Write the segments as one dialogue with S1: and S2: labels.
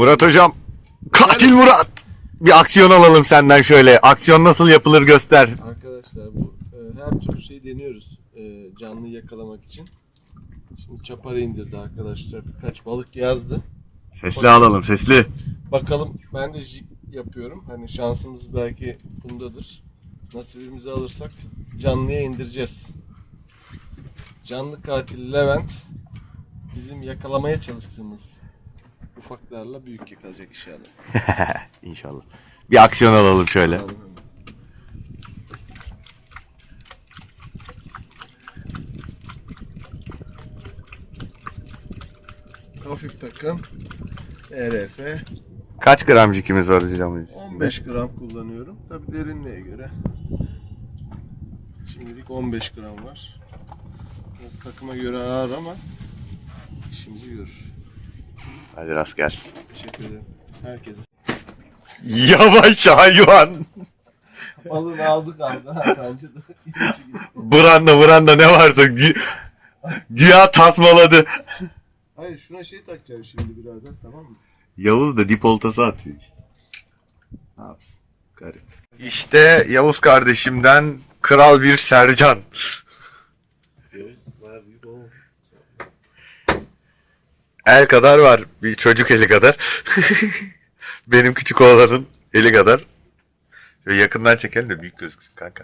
S1: Murat hocam. Katil Murat. Bir aksiyon alalım senden şöyle. Aksiyon nasıl yapılır göster.
S2: Arkadaşlar bu her türlü şeyi deniyoruz canlıyı yakalamak için. Şimdi çaparı indirdi arkadaşlar. Birkaç balık yazdı.
S1: Sesli alalım, sesli.
S2: Bakalım, ben de jig yapıyorum. Hani şansımız belki bundadır. Nasibimizi alırsak canlıya indireceğiz. Canlı katil Levent bizim yakalamaya çalıştığımız ufaklarla büyük yakalayacak inşallah.
S1: İnşallah. Bir aksiyon alalım şöyle.
S2: Hafif takım ERF
S1: Kaç gramcikimiz var hocam?
S2: 15 gram kullanıyorum. Tabi derinliğe göre. Şimdilik 15 gram var. Biraz takıma göre ağır ama işimizi görür.
S1: Hadi rast gelsin.
S2: Teşekkür ederim. Herkese.
S1: Yavaş hayvan.
S2: Balığını aldık abi. Bence de.
S1: Branda ne varsa güya tasmaladı.
S2: Hayır, şuna şey takacağım şimdi birader, tamam mı?
S1: Yavuz da dip oltası atıyor işte. Ne yapsın? Garip. İşte Yavuz kardeşimden kral bir Sercan. El kadar var. Bir çocuk eli kadar. Benim küçük oğlanın eli kadar. Şöyle yakından çekelim de büyük gözüksün kanka.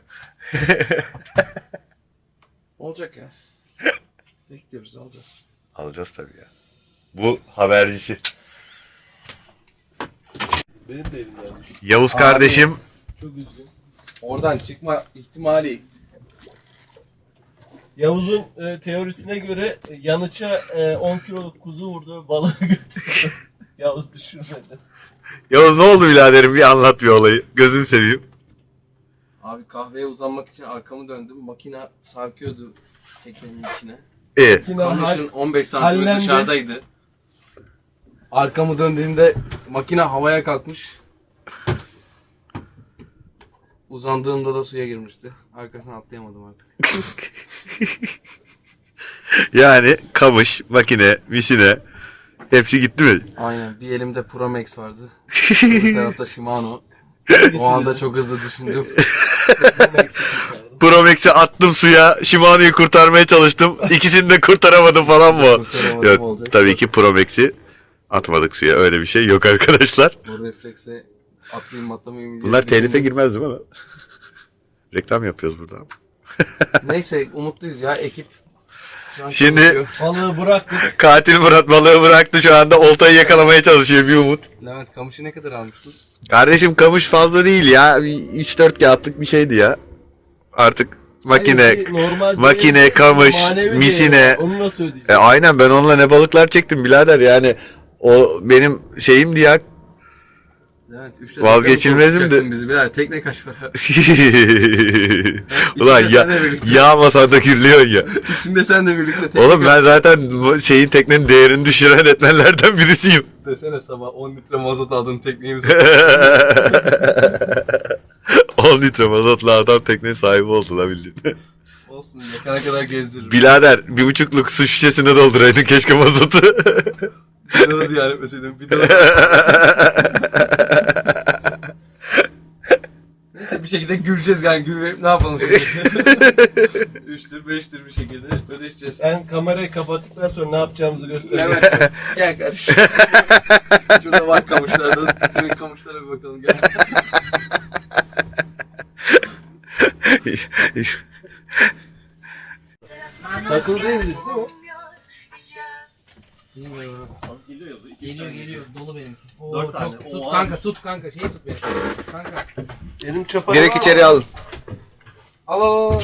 S2: Olacak ya. Bekliyoruz, alacağız.
S1: Alacağız tabii ya. Bu habercisi.
S2: Benim de elimden düştü.
S1: Yavuz kardeşim.
S2: Çok üzgün.
S3: Oradan çıkma ihtimali.
S2: Yavuz'un teorisine göre yanıça 10 kiloluk kuzu vurdu ve balığı götürdü. Yavuz düşürmedi.
S1: Yavuz ne oldu biraderim, bir anlat bir olayı. Gözünü seveyim.
S3: Abi kahveye uzanmak için arkamı döndüm. Makine sarkıyordu teknenin içine. Kamışın 15 santim
S2: hallendi.
S3: dışarıdaydı. Arkamı döndüğümde makine havaya kalkmış. Uzandığımda da suya girmişti. Arkasına atlayamadım artık.
S1: Yani kamış, makine, misine hepsi gitti mi?
S3: Aynen. Bir elimde Promex vardı. Bir tarafta Shimano. O anda çok hızlı düşündüm.
S1: Promex'i attım suya, Shimano'yu kurtarmaya çalıştım. İkisini de kurtaramadım falan mı?
S3: Kurtaramadım
S1: Yok,
S3: olacak.
S1: tabii ki Promex'i atmadık suya. Öyle bir şey yok arkadaşlar.
S3: O refleksle atlayayım atlamayayım.
S1: Bunlar telife girmez değil mi lan? Reklam yapıyoruz burada.
S3: Neyse umutluyuz ya ekip. Şu an
S1: Şimdi-
S3: çalışıyor.
S2: Balığı bıraktık.
S1: Katil Murat balığı bıraktı, şu anda oltayı yakalamaya çalışıyor bir umut.
S3: Levent kamışı ne kadar almıştın?
S1: Kardeşim kamış fazla değil ya. 3-4 kağıtlık bir şeydi ya. Artık makine,
S2: Hayır, normal
S1: makine,
S2: değeri,
S1: kamış,
S2: manevi
S1: misine.
S2: değeri. Onu nasıl ödeyeceğiz?
S1: Aynen, ben onunla ne balıklar çektim birader, yani o benim şeyimdi ya.
S3: Levent 3
S1: Vazgeçilmezim de.
S3: Bizi birader tekne kaç para?
S1: Ulan
S3: İçinde sen de birlikte.
S1: yağmasan da kirliyorsun ya.
S3: İçinde sen de birlikte tekne
S1: Oğlum ben zaten şeyin, teknenin değerini düşüren etmenlerden birisiyim.
S3: desene sabah 10 litre mazot aldın tekneyimizi.
S1: 10 litre mazotla adam tekne sahibi oldu la bildiğin.
S3: Olsun yakana kadar gezdiririm.
S1: Birader 1,5'luk su şişesine dolduraydın keşke mazotu.
S3: Bir de ziyaret etmeseydim. Bir de Neyse bir şekilde güleceğiz yani gülmeyip ne yapalım şimdi? 3'tür 5'tir bir şekilde ödeşeceğiz.
S2: Sen kamerayı kapattıktan sonra ne yapacağımızı göster.
S3: Levent gel kardeşim. Şurada var kamışlardan. Senin kamışlara bir bakalım gel.
S2: Takıldığınız değil mi?
S3: Geliyor dolu benimki. Oo,
S2: 4 tane.
S3: çok,
S2: Oo,
S3: tut kanka şeyi tut beni. Kanka.
S2: Benim çaparı
S1: Direkt
S2: var
S1: içeri
S2: mı?
S1: al.
S3: Al.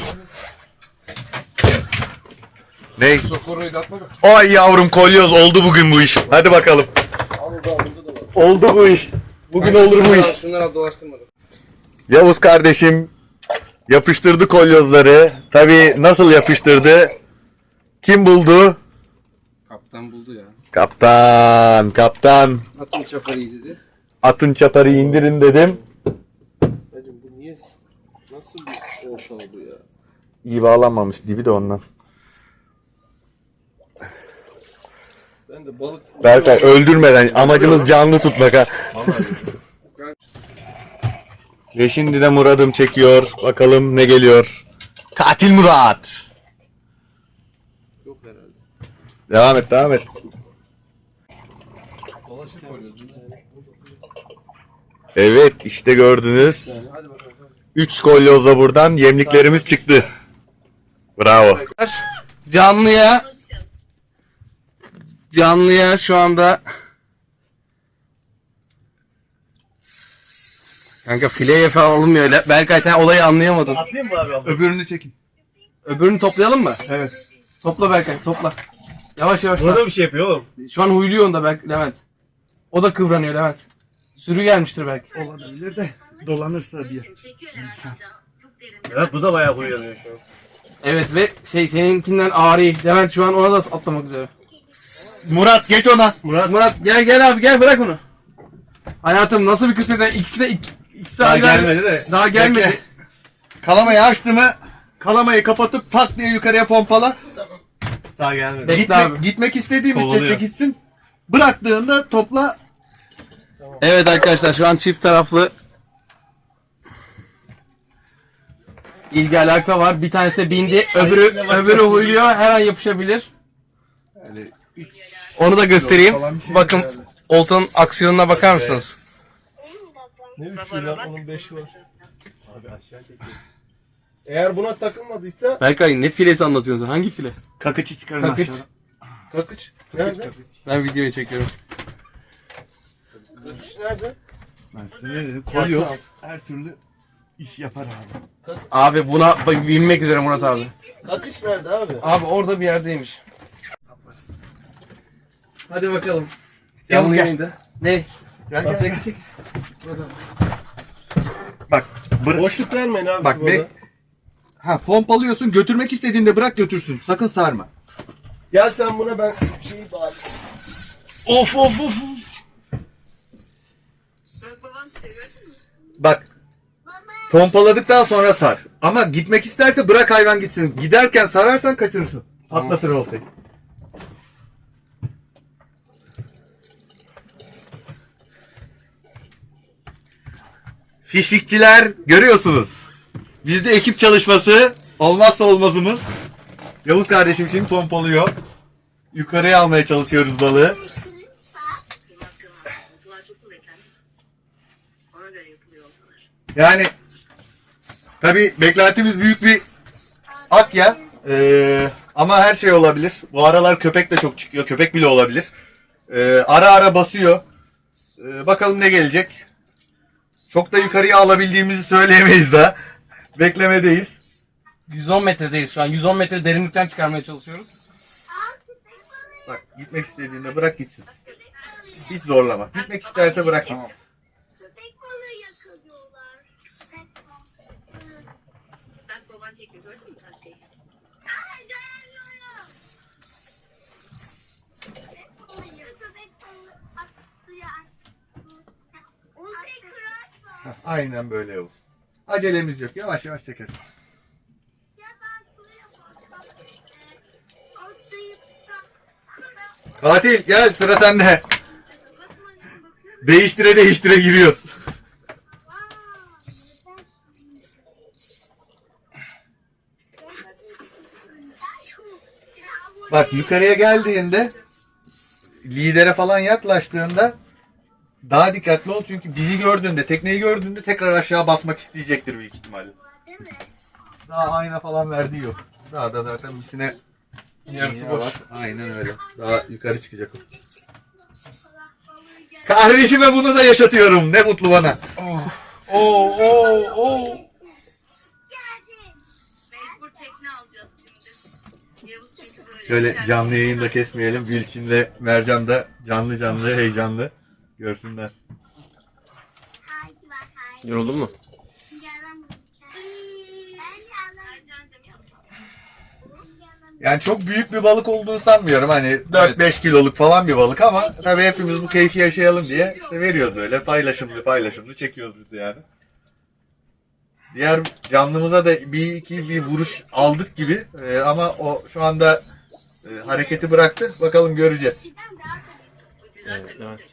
S1: Ne?
S3: Sokoruyu da atma da.
S1: Ay yavrum, kolyoz oldu bugün bu iş. Hadi bakalım. Oldu bu iş. Bugün olur bu iş.
S3: Şunları al dolaştırmadım.
S1: Yavuz kardeşim yapıştırdı kolyozları. Tabii nasıl yapıştırdı? Kim buldu?
S3: Kaptan buldu ya.
S1: Kaptan.
S3: Atın çaparıyı dedi.
S1: Atın çaparı indirin dedim.
S2: Hacım bu niye? Nasıl bir olta oldu ya?
S1: İyi bağlanmamış dibi de ondan.
S2: Ben de balık...
S1: Berkay öldürmeden amacımız canlı tutmak ha. Ve şimdi de Murat'ım çekiyor. Bakalım ne geliyor. Katil Murat.
S2: Yok herhalde.
S1: Devam et, devam et.
S3: Dolaşıp koyuyoruz.
S1: Evet, işte gördünüz.
S2: Hadi bakalım.
S1: 3 kolyozla buradan yemliklerimiz çıktı. Bravo.
S3: Canlıya şu anda kanka fileye falan alınmıyor öyle. Berkay sen olayı anlayamadın.
S4: Atlayayım mı abi?
S1: Öbürünü çekin.
S3: Öbürünü toplayalım mı?
S1: Evet.
S3: Topla Berkay topla. Yavaş yavaş.
S4: Burada bir şey yapıyor oğlum.
S3: Şu an huyluyor onda belki Levent. O da kıvranıyor Levent. Sürü gelmiştir belki.
S1: Olabilir de dolanırsa bir.
S4: Evet bu da bayağı uyanıyor şu an.
S3: Evet ve seninkinden ağrı. Levent şu an ona da atlamak üzere.
S1: Murat geç ona.
S3: Murat gel abi gel bırak onu. Hayatım nasıl bir kısmet? İkisi
S4: Daha
S3: ayrı ayrı.
S4: gelmedi de.
S3: Daha gelmedi.
S1: Bekle. Kalamayı açtı mı? Kalamayı kapatıp tak diye yukarıya pompala.
S4: Daha gelmedi.
S3: Bekle abi.
S1: Gitmek istediği müddetçe
S4: Kovalıyor.
S1: gitsin. Bıraktığında topla.
S3: Evet arkadaşlar şu an çift taraflı ilgi alaka var. Bir tanesi bindi, öbürü huyluyor. Her an yapışabilir.
S1: Yani
S3: Onu da göstereyim.
S1: falan bir şey
S3: Bakın
S1: herhalde.
S3: oltanın aksiyonuna bakar mısınız?
S2: Ne üçü lan? Onun 5'i var. Abi aşağı çekiyor. Eğer buna takılmadıysa
S3: Berkay ne filesi anlatıyorsun? Hangi file?
S1: Kakıcı çıkarın
S3: Kakıç.
S1: aşağıdan.
S2: kakıç. Nerede?
S3: Ben videoyu çekiyorum.
S2: Kakıç nerede?
S1: Ben size ne dedim? Kolyo her türlü iş yapar abi.
S3: Abi buna binmek üzere Murat abi.
S2: Kakıç nerede abi?
S3: Abi orada bir yerdeymiş. Hadi bakalım.
S1: Gel,
S3: Canlı
S1: gel.
S3: yayında. Ne?
S1: Gel gel gel.
S3: Çek. Murat abi.
S1: Bak.
S2: Boşluk vermeyin abi.
S1: Bak be. Ha pompalıyorsun, götürmek istediğinde bırak götürsün. Sakın sarma.
S2: Gel sen buna, ben şeyi bağlayayım.
S3: Of of of.
S1: Bak. Pompaladıktan sonra sar. Ama gitmek isterse bırak hayvan gitsin. Giderken sararsan kaçırırsın. Patlatır oltayı. Fişfikçiler görüyorsunuz. Bizde ekip çalışması olmazsa olmazımız. Yavuz kardeşim şimdi pompalıyor. Yukarıya almaya çalışıyoruz balığı. Yani tabi beklentimiz büyük bir akya. Ama her şey olabilir. Bu aralar köpek de çok çıkıyor. Köpek bile olabilir. Ara ara basıyor. Bakalım ne gelecek. Çok da yukarıya alabildiğimizi söyleyemeyiz daha. Beklemedeyiz.
S3: 110 metredeyiz şu an. 110 metre derinlikten çıkarmaya çalışıyoruz.
S1: Bak gitmek istediğinde bırak gitsin. Hiç zorlama. Gitmek isterse bırak gitsin.
S5: Köpek balığı yakalıyorlar. Bak baban çekiyor, gördün mü tatlıyı? Aa, göremiyorum. Köpek balığı atlıyor. Onu kırarsa.
S1: Aynen böyle olsun. Acelemiz yok. Yavaş yavaş çekelim.
S5: Ya ben şuraya baksam. Atlayıp da kırar.
S1: Katil gel sıra sende.
S5: Bakın annem bakıyorum.
S1: Değiştire değiştire giriyoruz.
S5: Aa,
S1: Bak yukarıya geldiğinde lidere falan yaklaştığında daha dikkatli ol çünkü bizi gördüğünde, tekneyi gördüğünde tekrar aşağı basmak isteyecektir büyük ihtimalle. Daha ayna falan verdiği yok. Daha da zaten misine
S3: Yarısı
S1: iğne
S3: boş.
S1: var. Aynen öyle. Daha yukarı çıkacak o. Kardeşime bunu da yaşatıyorum. Ne mutlu bana.
S3: Oo.
S5: Mecbur tekne alacağız şimdi. Yavuz çünkü böyle.
S1: Şöyle canlı yayında kesmeyelim. Gülçin'le Mercan da canlı canlı heyecanlı görsünler.
S5: Haydi bak haydi.
S3: Yoruldun mu?
S5: Yalan ben yalan.
S1: Yani çok büyük bir balık olduğunu sanmıyorum. Hani 4-5 kiloluk falan bir balık ama tabii hepimiz bu keyfi yaşayalım diye işte veriyoruz böyle. Paylaşımlı çekiyoruz biz yani. Diğer canlımıza da bir vuruş aldık gibi ama o şu anda hareketi bıraktı. Bakalım göreceğiz.
S4: Evet, evet.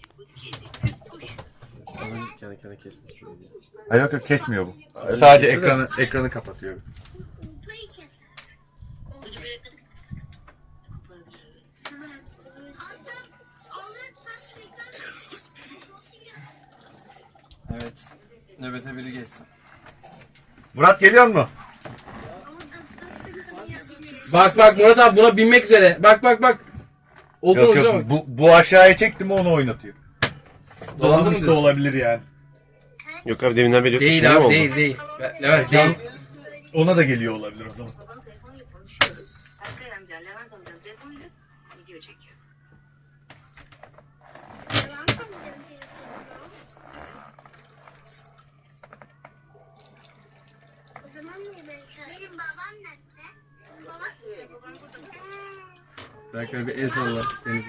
S4: Az önce kendi kendine kesmiş.
S1: Hayır yok kesmiyor bu.
S4: Öyle
S1: Sadece
S4: kesiyor
S1: ekranı kapatıyor.
S3: Evet. Nöbete biri geçsin.
S1: Murat geliyor mu?
S3: Bak Murat abi buna binmek üzere. Bak. Olsun
S1: Yok
S3: olsun.
S1: yok bu aşağıya çekti mi onu oynatıyor.
S3: Dolandı mı
S1: Dolanmış da
S3: diyorsun?
S1: olabilir yani.
S4: Yok abi deminden beri yok.
S3: Değil
S4: Şey mi
S3: abi
S4: oldu?
S3: değil. Levent değil.
S1: Ona da geliyor olabilir o zaman.
S5: Babanın telefonuyla konuşuyor. Erkay amca, Levent amcanın telefonuyla video çekiyor.
S6: Benim babam nerede?
S5: Baban burada.
S3: Berkay bir el salla Deniz'e.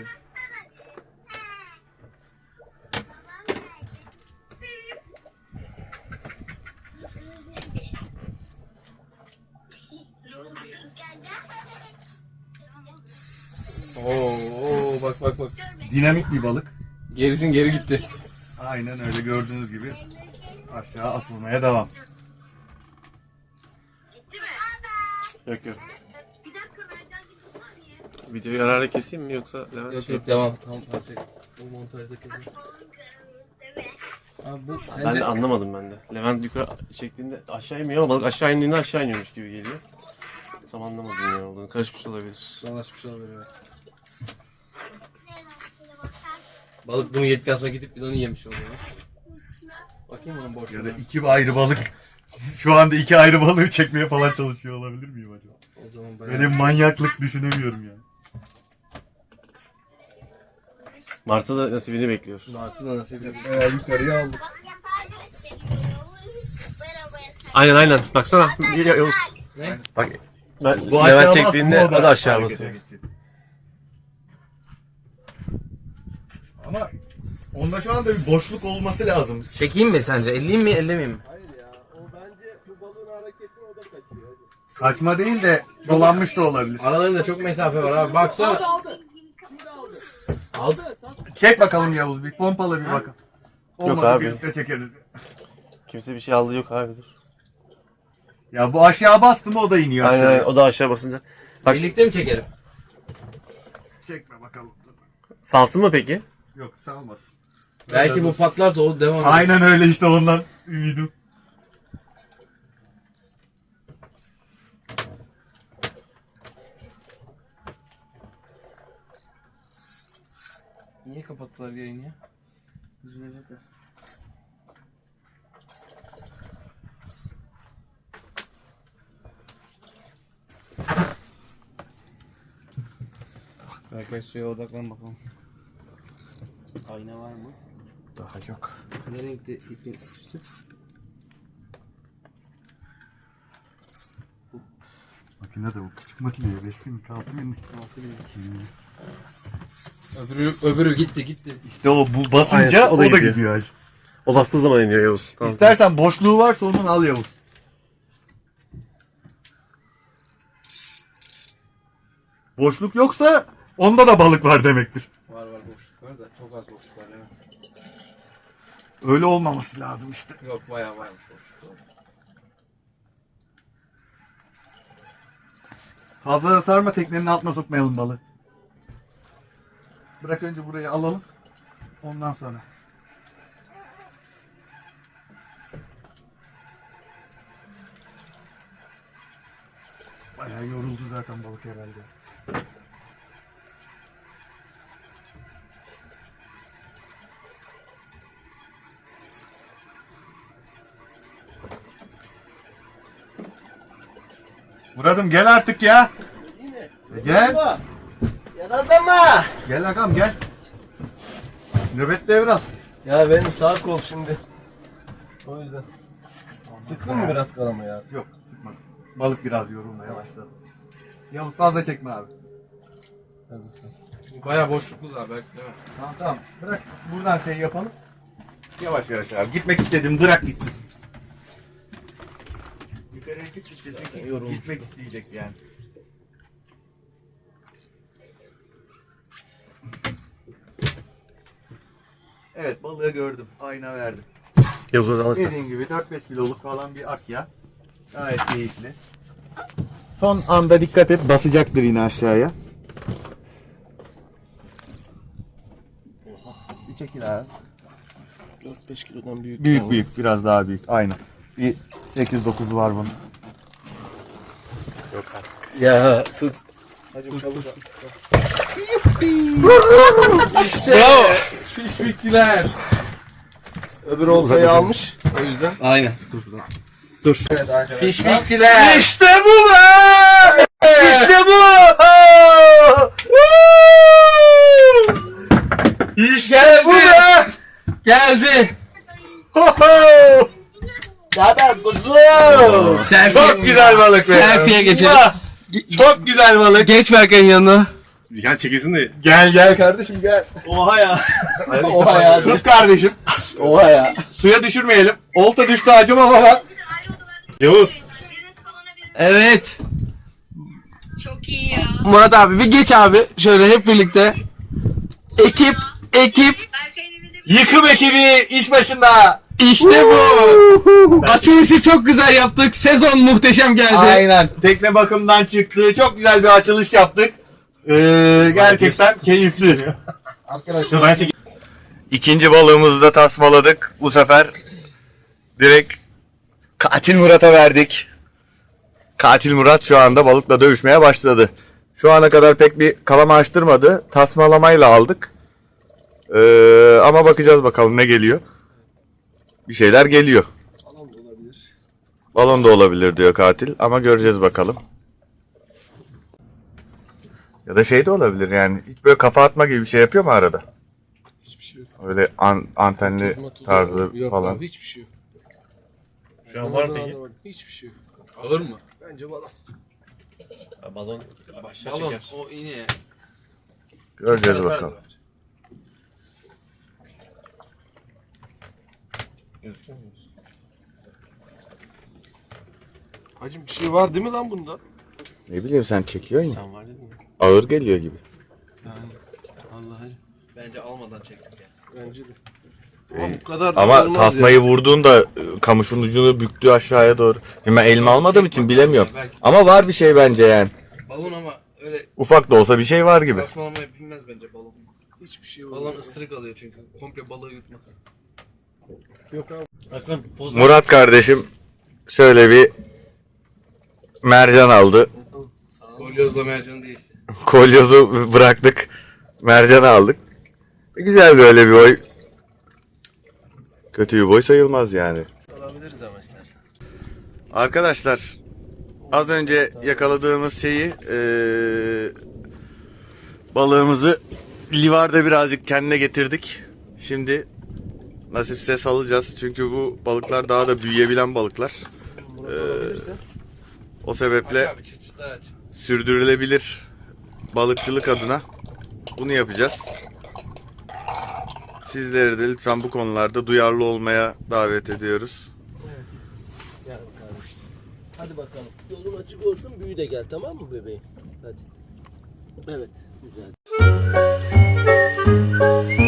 S3: Oo bak.
S1: Dinamik bir balık.
S3: Gerisin geri gitti.
S1: Aynen öyle gördüğünüz gibi aşağı atılmaya devam.
S5: Gitti mi?
S4: Yok yok.
S5: Bir dakika vereceğim bir saniye.
S4: Videoyu ara ara keseyim mi yoksa Levent
S3: Yok
S4: şey...
S3: yok devam. Tamam parça. Bu montajda kesin. Abi bu
S4: Ben
S3: sence
S4: de anlamadım ben de. Levent yukarı çektiğinde aşağı inmiyor ama balık aşağı indiğinde aşağı iniyormuş gibi geliyor. Tam anlamadım ne olduğunu. Karışmış olabilir.
S3: dolaşmış olabilir evet. Balık bunu yedikten sonra gidip bir de onu yemiş oluyor. Bakayım onun
S1: Ya da
S3: boşluğuna.
S1: iki ayrı balık. Şu anda iki ayrı balığı çekmeye falan çalışıyor olabilir miyim acaba?
S3: O zaman
S1: Böyle bir manyaklık düşünemiyorum yani.
S4: Mart'a da nasibini bekliyor.
S3: Martı da nasıl bir
S1: Yukarıya aldık.
S4: Aynen. Baksana. Yavuz.
S3: Ne?
S4: Bak. Ben
S1: Bu aşağı
S4: Levent
S1: basmıyor,
S4: çektiğinde o da aşağı
S1: harekete
S4: basıyor.
S1: geçiyor. Ama onda şu anda bir boşluk olması lazım.
S3: Çekeyim mi sence? Elleyeyim mi ellemeyeyim mi?
S2: Hayır ya. O bence bu balığın hareketini o da kaçıyor.
S1: Kaçma değil de dolanmış da olabilir.
S3: Aralarında çok mesafe var abi. Baksana.
S2: Aldı.
S3: Aldı.
S1: Çek bakalım Yavuz bir pompalı bir bakalım. Olmadı
S4: abi.
S1: birlikte çekeriz.
S4: Kimse bir şey aldı yok abi dur.
S1: Ya bu aşağı bastı mı o da iniyor aşağıya.
S4: Aynen o da aşağı basınca. Bak.
S3: Birlikte mi çekelim?
S1: Çekme bakalım.
S4: Salsın mı peki?
S1: Yok salmasın.
S3: Belki bu patlarsa o devam eder.
S1: Aynen öyle işte ondan ümidim.
S3: Niye kapattılar yayını ya? Üzülecekler. Berkay suya odaklan bakalım. Ayna var mı?
S1: Daha yok.
S3: Ne renkte ipin üstü?
S1: Makine de bu küçük makine ya 5 bin 6 bin.
S3: Öbürü gitti.
S1: İşte o bu basınca
S4: Aynen,
S1: o da gidiyor. hacı.
S4: O bastığı zaman iniyor Yavuz. Tamam.
S1: İstersen boşluğu varsa onun al Yavuz. Boşluk yoksa onda da balık var demektir.
S3: Var boşluk var da çok az boşluk var evet.
S1: Öyle olmaması lazım işte.
S3: Yok bayağı varmış boşluk.
S1: Fazla da sarma teknenin altına sokmayalım balığı. Bırak önce burayı alalım. Ondan sonra. Bayağı yoruldu zaten balık herhalde. Murat'ım gel artık ya. Gel.
S2: Yanında mı?
S1: Gel agam gel. Nöbet devral.
S2: Ya benim sağ kol şimdi. O yüzden. Sıktın mı biraz kalama ya?
S1: Yok sıkma. Balık biraz yorulmaya başladı. Yavuz fazla çekme abi.
S3: Bayağı boşluklu da belki değil mi?
S1: Tamam bırak buradan şey yapalım. Yavaş yavaş abi. Gitmek istedim bırak gitsin. Yukarıya çık isteyecek.
S3: Yorulmuş.
S1: Gitmek isteyecek yani. Evet, balığı gördüm. Ayna verdim.
S4: Yavuz oradan al istersen.
S1: Dediğim gibi 4-5 kiloluk falan bir akya. Gayet keyifli. Son anda dikkat et, basacaktır yine aşağıya. Bir çekil abi.
S2: 4-5 kilodan büyük.
S1: Büyük büyük, biraz daha büyük. Aynı. Bir 8-9 var bunun.
S3: Ya tut.
S2: Hacım çabuk.
S3: İşte.
S2: Fişfikçiler. Öbür oltayı almış. O yüzden.
S3: Aynen. Dur.
S2: Evet arkadaşlar.
S3: Fişfikçiler.
S1: İşte bu be! İşte bu! İşte bu be!
S3: Geldi. Selfie.
S1: Çok güzel balık be.
S3: Selfie'ye geçelim.
S1: Çok güzel balık.
S3: Geç Berkay'ın yanına.
S4: Gel çekilsin de.
S1: Gel gel kardeşim gel.
S4: Oha ya.
S1: Oha ya. Tut kardeşim.
S2: Oha ya.
S1: Suya düşürmeyelim. Olta düştü hacım ama bak.
S4: Yavuz.
S5: Biriniz salona biriniz.
S3: Evet.
S5: Çok iyi ya.
S3: Murat abi bir geç abi. Şöyle hep birlikte. Ekip.
S5: Berkay'ın elinde bir
S1: Yıkım ekibi iş başında.
S3: İşte bu. Açılışı çok güzel yaptık. Sezon muhteşem geldi.
S1: Aynen. Tekne bakımdan çıktı. Çok güzel bir açılış yaptık. Gerçekten keyifli.
S2: Arkadaşlar.
S4: Ben çekeyim.
S1: İkinci balığımızı da tasmaladık. Bu sefer direkt Katil Murat'a verdik. Katil Murat şu anda balıkla dövüşmeye başladı. Şu ana kadar pek bir kalama açtırmadı. Tasmalamayla aldık. Ama bakacağız bakalım ne geliyor. Bir şeyler geliyor.
S2: Balon da olabilir.
S1: Balon da olabilir diyor katil ama göreceğiz bakalım. Ya da şey de olabilir yani. Hiç böyle kafa atma gibi bir şey yapıyor mu arada?
S2: Hiçbir şey yok.
S1: Öyle antenli
S2: Tuzma, tuzma.
S1: tarzı
S2: Yok
S1: falan.
S2: abi hiçbir şey yok.
S4: Şu an var mı peki?
S2: Anlamadım. Hiçbir şey yok.
S3: Ağır mı?
S2: Bence balon.
S4: Balon başa
S3: Balon.
S4: çeker.
S3: O iğne.
S1: Göreceğiz bakalım.
S4: Gözüküyor mu?
S2: Hacım bir şey var değil mi lan bunda?
S1: Ne bileyim sen çekiyorsun ya.
S4: Sen var dedin mi?
S1: Ağır geliyor gibi.
S2: Yani. Allah hacım.
S3: Bence almadan çektik ya.
S2: Bence de. Ama bu kadar da
S1: Ama
S2: olmaz
S1: tasmayı
S2: ya.
S1: vurduğunda kamışın ucunu büktü aşağıya doğru. Şimdi ben elime almadığım için bilemiyorum.
S3: Belki
S1: Ama var bir şey bence yani.
S3: balon ama öyle
S1: Ufak da olsa bir şey var gibi.
S3: tasmalamayı bilmez bence balon.
S2: Hiçbir şey yok.
S3: Balon ısırık alıyor çünkü. Komple balığı yutmaz.
S2: Yok abi.
S4: Aslan poz
S1: Murat kardeşim şöyle bir mercan aldı.
S3: Kolyozla mercanı değişti.
S1: Kolyozu bıraktık. Mercan aldık. Güzel böyle bir boy. Kötü bir boy sayılmaz yani.
S2: Alabiliriz ama istersen.
S1: Arkadaşlar az önce yakaladığımız şeyi balığımızı livarda birazcık kendine getirdik. Şimdi nasipse salacağız. Çünkü bu balıklar daha da büyüyebilen balıklar. O sebeple
S3: Aç abi çıtçıtlar aç.
S1: sürdürülebilir balıkçılık adına bunu yapacağız. Sizleri de lütfen bu konularda duyarlı olmaya davet ediyoruz.
S2: Gel kardeşim. Hadi bakalım. Yolun açık olsun, büyü de gel, tamam mı bebeğim? Hadi. Evet, güzel.